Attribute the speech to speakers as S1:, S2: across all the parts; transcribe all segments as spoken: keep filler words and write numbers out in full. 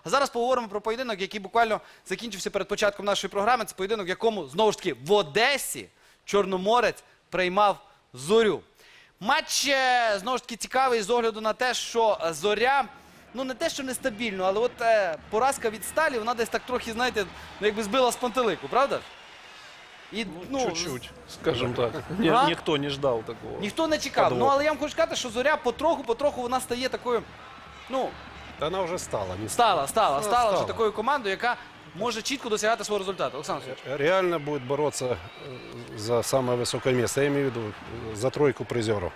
S1: А зараз поговоримо про поєдинок, який буквально закінчився перед початком нашої програми. Це поєдинок, в якому, знову ж таки, в Одесі Чорноморець приймав Зорю. Матч, знову ж таки, цікавий з огляду на те, що Зоря, ну не те, що нестабільно, але от е, поразка від Сталі, вона десь так трохи, знаєте, ну, якби збила з пантелику, правда? І,
S2: ну, чуть-чуть, скажем так. Ні,
S1: а?
S2: Ніхто не ждав такого.
S1: Ніхто не чекав.
S2: Подвох.
S1: Ну, але я вам хочу сказати, що Зоря потроху-потроху вона стає такою, ну,
S3: Да она уже стала. Не
S1: стала, стала,
S3: Вона
S1: стала вже
S3: стала.
S1: такою командою, яка може чітко досягати свого результату. Олександр Сергійович.
S3: Реально будет бороться э, за самое высокое место. Я имею в виду э, за тройку призеров.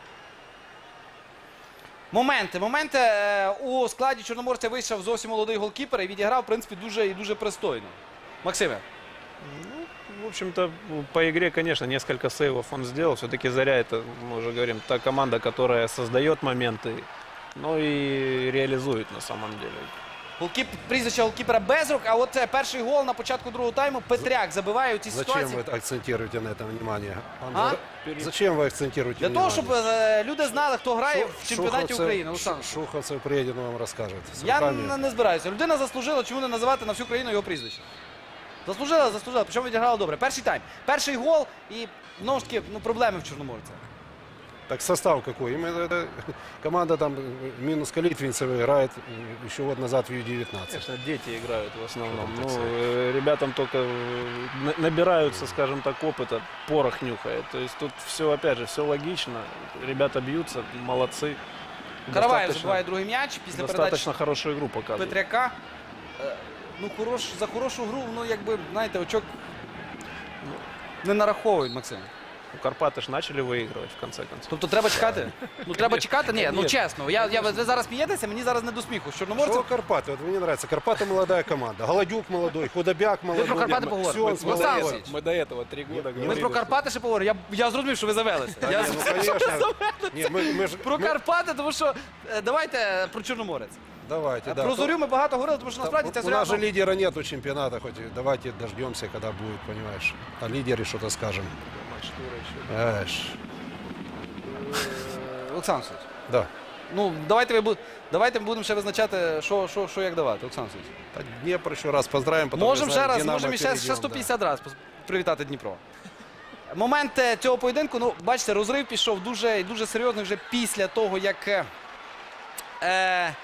S1: Моменти, моменти. Е, У складі Чорноморця вийшов зовсім молодий голкіпер і відіграв, в принципі, дуже і дуже пристойно. Максиме.
S2: В общем-то, по игре, конечно, несколько сейвов он сделал. Все-таки Заря, это, мы уже говорим, та команда, которая создает моменты, но и реализует на самом деле.
S1: Голкіп, прізвище голкіпера Безрук, а от е, перший гол на початку другого тайму Петряк забиває у цій
S3: Зачем
S1: ситуації.
S3: вы акцентируете на этом внимание?
S1: А?
S3: Зачем вы акцентируете
S1: Для того,
S3: внимание?
S1: щоб е, люди знали, хто грає в чемпіонаті
S3: Шуховцев-
S1: України. Олександр.
S3: Шуховцев приедет, он вам расскажет. С
S1: Я
S3: руками.
S1: не, не збираюся. Людина заслужила, чому не називати на всю країну його прізвище. Заслужила, заслужила, причому відіграла добре. Перший тайм. Перший гол і, знову ж таки, ну, проблеми в Чорноморця.
S3: Так состав какой? Именно это команда там э, минус Калитвинцева играет э, еще год назад в Ю девятнадцать.
S2: Конечно, дети играют в основном.
S3: Что
S2: Ну,
S3: там, так
S2: э, ребятам только э, на- набираются, скажем так, опыта, порох нюхает. То есть тут все, опять же, все логично. Ребята бьются, молодцы.
S1: Караваєв
S2: Достаточно-
S1: забиває другий м'яч після передачі
S2: Достаточно хорошую игру показывает.
S1: Петряка. Е, Ну, хорош, за хорошу гру, ну, якби, знаєте, очок не нараховують, Максим.
S2: Ну, Карпаты ж начали выигрывать в конце концов.
S1: Тобто треба чекати? Ну, треба чекати? Ні, ну,
S2: Ні.
S1: чесно. Я, я, ви зараз смієтеся, мені зараз не до сміху. З Чорноморцем.
S3: Что Карпаты? Вот мне нравится. Карпаты молодая команда. Голодюк молодой, Худобяк молодой.
S1: про Карпаты поговорим.
S3: Все, он
S1: Мы-
S3: с
S1: мы
S3: молодой.
S1: сам Олександр.
S2: Мы до этого три года
S1: Ми
S2: говорили.
S1: про Карпати ще поговоримо. Я, я зрозумів, що ви завелися.
S3: Да
S1: Я
S3: не, ну,
S1: зрозумів, що ви
S3: конечно.
S1: завелися.
S3: Не, мы- мы ж-
S1: Про
S3: мы-
S1: Карпати, тому що е, давайте про Чорноморець.
S3: Давайте, да.
S1: Про Зорю ми багато говорили, тому що насправді ця
S3: У
S1: Зоря...
S3: нас же
S1: ну,
S3: лидера нету чемпионата, хоть и давайте дождемся, когда будет, понимаешь. О лидере что-то скажем.
S2: Матч тура еще.
S3: Эш.
S1: Олександр Сергійович,
S3: Да.
S1: ну давайте, ви, бу- давайте ми будемо ще визначати, що, що, що як давати, Олександр Сергійович.
S3: Так, Днепр еще раз поздравим. потом,
S1: Можемо
S3: не
S1: ще
S3: знаю,
S1: раз,
S3: Динамо
S1: можемо ще,
S3: перейдем,
S1: ще
S3: да.
S1: сто п'ятдесят разів привітати Дніпро. Момент е, цього поєдинку, ну, бачите, розрив пішов дуже, дуже серйозний вже після того, як... е, Е,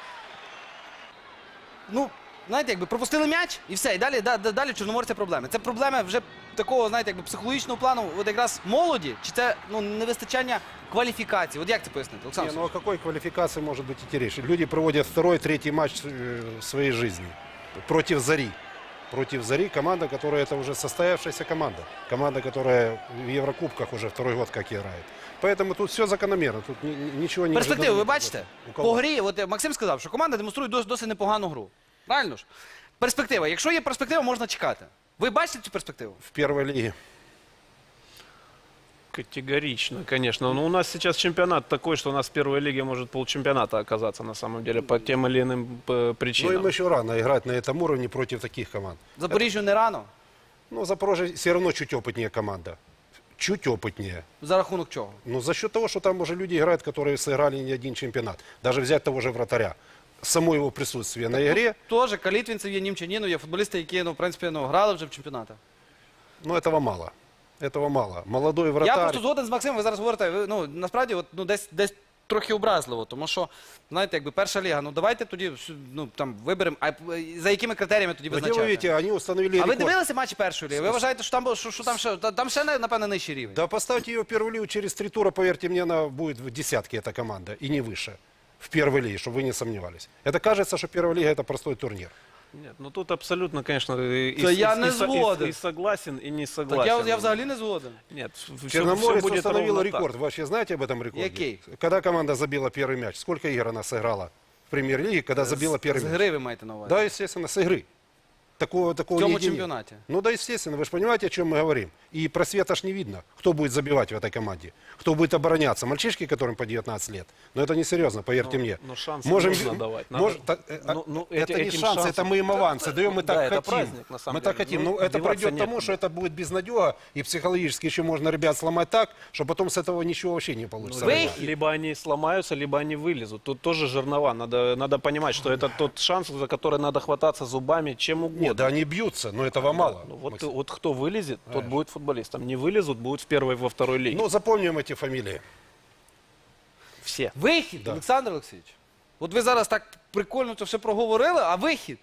S1: ну, знаєте, якби пропустили м'яч і все, і далі, да, да, далі в Чорноморця проблеми. Це проблеми вже такого, знаєте, якби психологічного плану, от якраз молоді, чи це, ну, невистачання кваліфікації? От як це пояснити, Олександр?
S3: Не, ну о какой квалификации может быть идти речь? Люди проводят второй, третий матч э, в своей жизни против Зари. Против Зари команда, которая это уже состоявшаяся команда. Команда, которая в Еврокубках уже второй год как играет. Поэтому тут все закономерно. Тут ни- ни- ничего не
S1: Перспективи, ви
S3: ожидаемо.
S1: бачите?
S3: У кого?
S1: По грі, от е, Максим сказав, що команда демонструє досить, досить непогану гру. Правильно ж? Перспектива. Якщо є перспектива, можна чекати. Ви бачите цю перспективу?
S3: В первой лиге.
S2: Категорично, конечно. Но у нас сейчас чемпионат такой, что у нас в первой лиге может полчемпионата оказаться на самом деле по тем или иным э,
S3: Ну
S2: причинам.
S3: им еще рано играть на этом уровне против таких команд.
S1: Запоріжжю не рано.
S3: Ну, Запорожье все равно чуть опытнее команда. Чуть опытнее.
S1: За рахунок чого?
S3: Ну, за счет того, что там уже люди играют, которые сыграли не один чемпионат. Даже взять того же вратаря. Само его присутствие на игре,
S1: Теж Калітвінцев є, Німчанінов є футболісти, які, ну, в принципі, ну, грали вже в чемпіонатах.
S3: ну, этого мало. Этого мало. Молодой
S1: Я
S3: вратарь.
S1: просто згоден з Максимом, ви зараз говорите, ви, ну, насправді, от, ну, десь, десь трохи образливо, тому що, знаєте, якби перша ліга, ну, давайте тоді, ну, там, виберемо, а за якими критеріями тоді
S3: Где вы
S1: визначати?
S3: видите, они установили
S1: А ви
S3: рекорд.
S1: дивилися матчі першої ліги? Ви вважаєте, що там, бу- що, що там, ще, та- там ще, напевно, нижчий рівень?
S3: Да поставьте ее в первую лигу через три тура, поверьте мне, она будет в десятке, эта команда, и не выше. В первой лиге, чтобы вы не сомневались. Это кажется, что первая лига это простой турнир.
S2: Нет, ну тут абсолютно, конечно, и,
S1: Да
S2: и-
S1: я
S2: и-
S1: не
S2: и со- и-
S1: згоден.
S2: и согласен, и не
S1: Так
S2: согласен.
S1: я, я взагалі не згоден.
S2: Нет, все,
S3: Черноморец
S2: будет
S3: установил
S2: ровно
S3: рекорд.
S2: так.
S3: Вы вообще знаете об этом рекорде?
S1: Який?
S3: Когда команда забила первый мяч? Сколько игр она сыграла в премьер-лиге, когда забила
S1: З
S3: первый мяч?
S1: гри ви маєте на увазі?
S3: Да, естественно, с игры. такого, такого
S1: В цьому
S3: нигде нет.
S1: чемпионате.
S3: Ну да, естественно, вы же понимаете, о чем мы говорим. И просвета ж не видно, кто будет забивать в этой команде, кто будет обороняться. Мальчишки, которым по девятнадцать лет. Но это несерьезно, поверьте
S2: Но-
S3: мне.
S2: но шансы
S3: Можем,
S2: нужно давать. Надо-
S3: может, так, э,
S2: ну, ну,
S3: это
S2: эти-
S3: не
S2: этим
S3: шансы, это
S2: шансом-
S3: мы им авансы даем, мы
S2: Да,
S3: так
S2: это
S3: хотим.
S2: праздник, на самом
S3: мы так
S2: деле.
S3: хотим.
S2: Ну,
S3: Ну, это
S2: деваться
S3: придет к тому,
S2: некуда.
S3: что это будет безнадега, и психологически еще можно ребят сломать так, что потом с этого ничего вообще не получится.
S1: Вы-
S2: Либо, либо они сломаются, либо они вылезут. Тут тоже жернова. Надо, надо понимать, что это тот шанс, за который надо хвататься зубами, чем угодно.
S3: Нет, да они бьются, но этого мало.
S2: Ну, вот,
S3: Максим.
S2: вот кто вылезет, тот будет футболистом. Не вылезут, будут в первой, во второй лиге.
S3: Ну, запомним эти фамилии.
S2: Все.
S1: Вихід,
S3: Да.
S1: Олександр Олексійович. От ви зараз так прикольно це все проговорили, а вихід?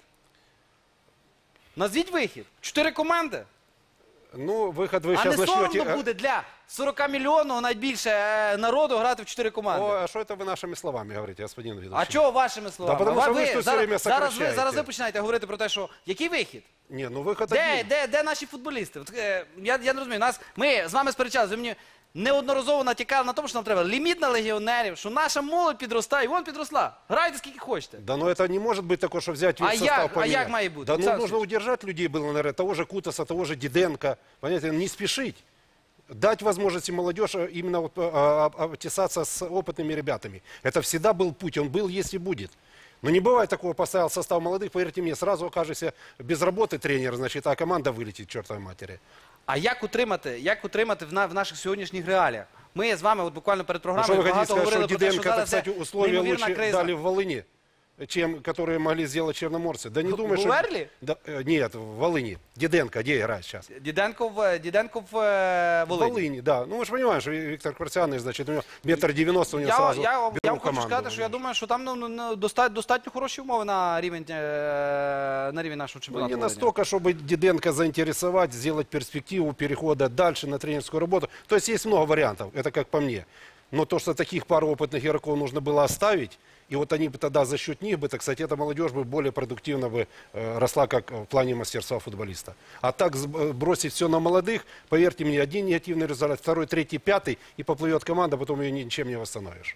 S1: Назвіть вихід. Чотири команди.
S3: Ну, выход вы
S1: А
S3: сейчас
S1: не
S3: начнете...
S1: соромно буде для сорок мільйонного найбільше е, народу грати в чотири команди.
S3: О, а что это вы нашими словами говорите, господин ведущий?
S1: А чого вашими словами?
S3: Да, потому
S1: А
S3: що
S1: ви,
S3: ви ж тут все
S1: зараз,
S3: время
S1: зараз, ви,
S3: сокращаєте.
S1: зараз ви починаєте говорити про те, що який вихід?
S3: Не, ну выход
S1: Де,
S3: один.
S1: де, де наші футболісти? От, е, я, я не розумію. Нас, ми з вами сперечалися, ви мені неодноразово натякали на тому, що нам треба ліміт на легіонерів, що наша молодь підростає, і вон підросла. Грайте скільки хочете.
S3: Да, но это не может быть такое, что взять весь
S1: А
S3: состав
S1: як- а
S3: поменять.
S1: як має бути?
S3: Да, ну,
S1: Олександр
S3: нужно удержать людей было, наверное, того же Кутаса, того же Диденко. Понимаете, не спешить. Дать возможности молодежи именно вот, а, а, обтесаться с опытными ребятами. Это всегда был путь, он был, есть и будет. Но не бывает такого, поставил состав молодых, поверьте мне, сразу окажешься без работы тренер, значит, а команда вылетит к чертовой матери.
S1: А як утримати, як утримати в, на, в наших сьогоднішніх реаліях? Ми з вами от буквально перед
S3: А что
S1: програмою
S3: вы хотите
S1: багато
S3: сказать, что
S1: говорили про те, що
S3: Диденко, так
S1: зараз
S3: сказать,
S1: є
S3: условия
S1: неймовірна
S3: лучше
S1: криза.
S3: дали в Волыни, чем которые могли сделать черноморцы? Да не
S1: Г-
S3: думаю, что...
S1: Гуверли?
S3: Да, э, нет, в Волыни. Диденко, где играет сейчас?
S1: Діденко в, Діденко в е,
S3: В
S1: Волині.
S3: Волыни, да. Ну, мы же понимаем, что Виктор Квартианович, значит, у него метр девяносто, у него
S1: Я,
S3: сразу
S1: я, вам- я
S3: беру
S1: вам хочу
S3: команду.
S1: сказати, що я думаю, що там ну, ну, ну, доста- достатньо хороші умови на рівень, е, на рівень нашого
S3: Ну,
S1: чемпіонату.
S3: не
S1: Волині.
S3: настолько, чтобы Диденко заинтересовать, сделать перспективу перехода дальше на тренерскую работу. То есть есть много вариантов, это как по мне. Но то, что таких пару опытных игроков нужно было оставить, и вот они бы тогда за счет них бы, так сказать, эта молодежь бы более продуктивно бы э, росла как в плане мастерства футболиста. А так сб- э, бросить все на молодых, поверьте мне, один негативный результат, второй, третий, пятый, и поплывет команда, потом ее ничем не восстановишь.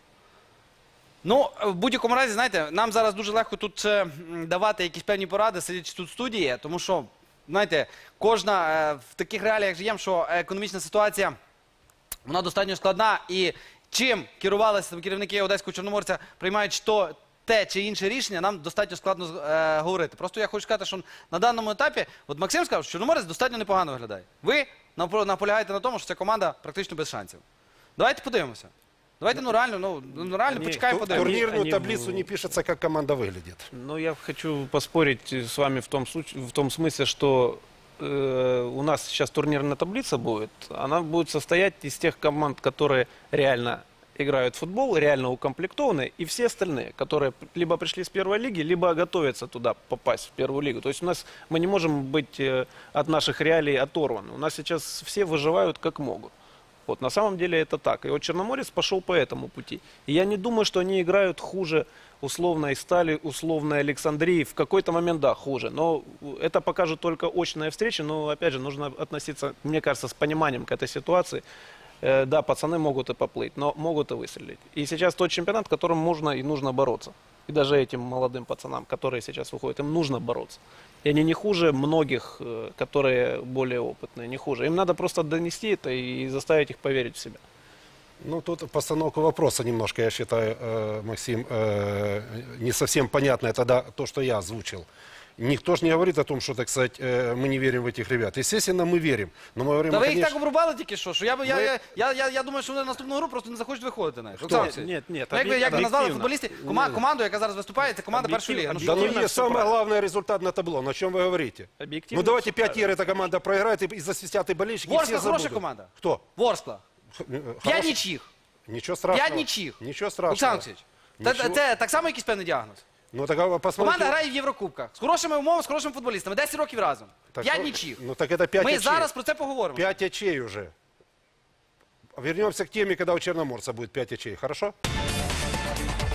S1: Ну, в будь-якому разі, знаєте, нам зараз дуже легко тут е, м, давати якісь певні поради, сидячи тут в студії, тому що, знаєте, кожна е, в таких реаліях живемо, що економічна ситуація, вона достатньо складна, і чим керувалися там керівники Одеського Чорноморця, приймаючи то, те чи інше рішення, нам достатньо складно е, говорити. Просто я хочу сказати, що на даному етапі, от Максим сказав, що Чорноморець достатньо непогано виглядає. Ви напро- наполягаєте на тому, що ця команда практично без шансів. Давайте подивимося. Давайте, ну реально, ну, ну реально
S2: Ні,
S1: почекаємо,
S3: Ту-
S1: подивимося.
S3: Турнирную
S2: они
S3: таблицу
S2: в-
S3: не пишется, как команда выглядит.
S2: Ну, я хочу поспорить с вами в том, случае, в том смысле, что э, у нас сейчас турнирная таблица будет. Она будет состоять из тех команд, которые реально играют в футбол, реально укомплектованы, и все остальные, которые либо пришли с первой лиги, либо готовятся туда попасть в первую лигу. То есть у нас мы не можем быть э, от наших реалий оторваны. У нас сейчас все выживают как могут. Вот, на самом деле это так. И вот Черноморец пошел по этому пути. И я не думаю, что они играют хуже условной Стали, условной Александрии. В какой-то момент, да, хуже. Но это покажет только очная встреча. Но, опять же, нужно относиться, мне кажется, с пониманием к этой ситуации. Э, да, пацаны могут и поплыть, но могут и выстрелить. И сейчас тот чемпионат, которым можно и нужно бороться. И даже этим молодым пацанам, которые сейчас выходят, им нужно бороться. И они не хуже многих, э, которые более опытные, не хуже. Им надо просто донести это и заставить их поверить в себя.
S3: Ну, тут постановка вопроса немножко, я считаю, э, Максим, э, не совсем понятная тогда то, что я озвучил. Никто же не говорит о том, что, так сказать, э, мы не верим в этих ребят. Естественно, мы верим. Но мы говорим,
S1: Та ви їх
S3: конечно...
S1: так обрубали тільки що, що я, би- я,
S3: Ми-
S1: я, я, я, я думаю, що вони на наступну гру просто не захочуть виходити навіть.
S2: Хто?
S1: Олександр Олексійович.
S2: Ні, ні,
S1: Ну, як ви, як ви
S2: об'єктивно.
S1: назвали футболістів, кома, команду, яка зараз виступає, це команда першої ліги. Ну, що
S3: Да ну
S2: Объективно
S3: есть
S2: всё
S3: самый
S2: правильно.
S3: главный результат на табло. На чем вы говорите?
S2: Объективно
S3: Ну давайте
S2: всё
S3: пять
S2: правильно.
S3: ир эта команда проиграет и, и засвистят и болельщики, и
S1: Ворскла
S3: все
S1: хорошая
S3: забудут.
S1: команда.
S3: Кто?
S1: Ворскла.
S3: Х- э,
S1: П'ять
S3: хороший?
S1: нічих.
S3: Ничего страшного.
S1: П'ять нічих.
S3: Ничего страшного.
S1: Олександр Олексійович, це,
S3: Нічого.
S1: це так само якийсь певний діагноз.
S3: Ну так а посмотрите.
S1: Команда грає в Єврокубках. З хорошими умовами, з хорошими футболістами. десять років разом.
S3: Так
S1: П'ять
S3: что-
S1: нічих.
S3: Ну так это пять
S1: Ми
S3: очей.
S1: зараз про це поговоримо.
S3: Пять очей уже. Вернемся к теме, когда у Черноморца будет пять очей. Хорошо?